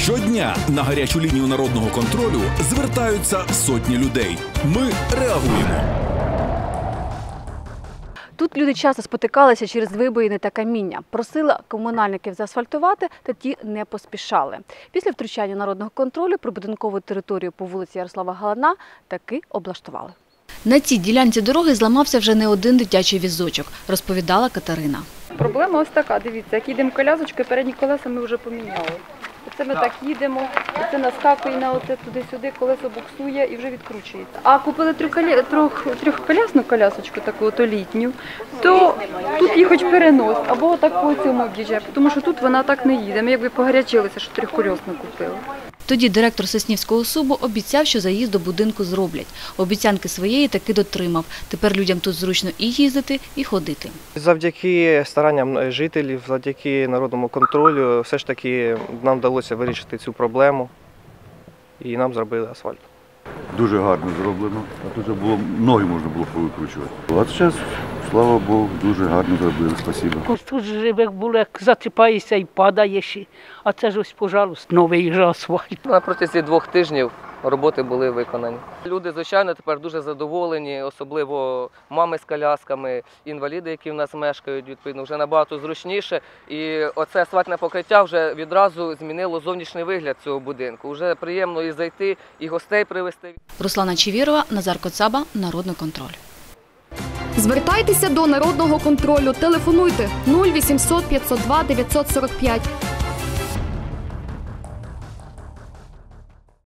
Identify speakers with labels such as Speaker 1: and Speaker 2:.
Speaker 1: Щодня на гарячу лінію народного контролю звертаються сотні людей. Ми реагуємо.
Speaker 2: Тут люди часто спотикалися через вибоїни та каміння. Просили комунальників заасфальтувати, та ті не поспішали. Після втручання народного контролю прибудинкову територію по вулиці Ярослава Галана таки облаштували. На цій ділянці дороги зламався вже не один дитячий візочок, розповідала Катерина.
Speaker 3: Проблема ось така, дивіться, як їдемо колясочкою, передні колеса ми вже поміняли. Оце ми так їдемо, оце наскакує на оце туди-сюди, колесо буксує і вже відкручується. А купили трьохколясну колясочку, таку то літню, то тут їх хоч перенос, або так по цьому об'їжджає, тому що тут вона так не їде. Ми якби погорячилися, що трьохколісну купили.
Speaker 2: Тоді директор Соснівського СУБу обіцяв, що заїзд до будинку зроблять. Обіцянки своєї таки дотримав. Тепер людям тут зручно і їздити, і ходити.
Speaker 4: Завдяки старанням жителів, завдяки народному контролю, все ж таки нам вдалося вирішити цю проблему і нам зробили асфальт.
Speaker 5: Дуже гарно зроблено, а тут було, ноги можна було повикручувати. А зараз, слава Богу, дуже гарно зробили, спасибо.
Speaker 6: Тут же як було, як заціпаєшся і падаєш, а це ж ось, пожалуйста, новий же асфальт.
Speaker 7: На протязі 2 тижнів роботи були виконані. Люди, звичайно, тепер дуже задоволені, особливо мами з колясками, інваліди, які в нас мешкають, відповідно, вже набагато зручніше. І оце асфальтне покриття вже відразу змінило зовнішній вигляд цього будинку. Вже приємно і зайти, і гостей привезти.
Speaker 2: Руслана Чевірова, Назар Коцаба, Народний контроль.
Speaker 8: Звертайтеся до Народного контролю. Телефонуйте 0800 502 945.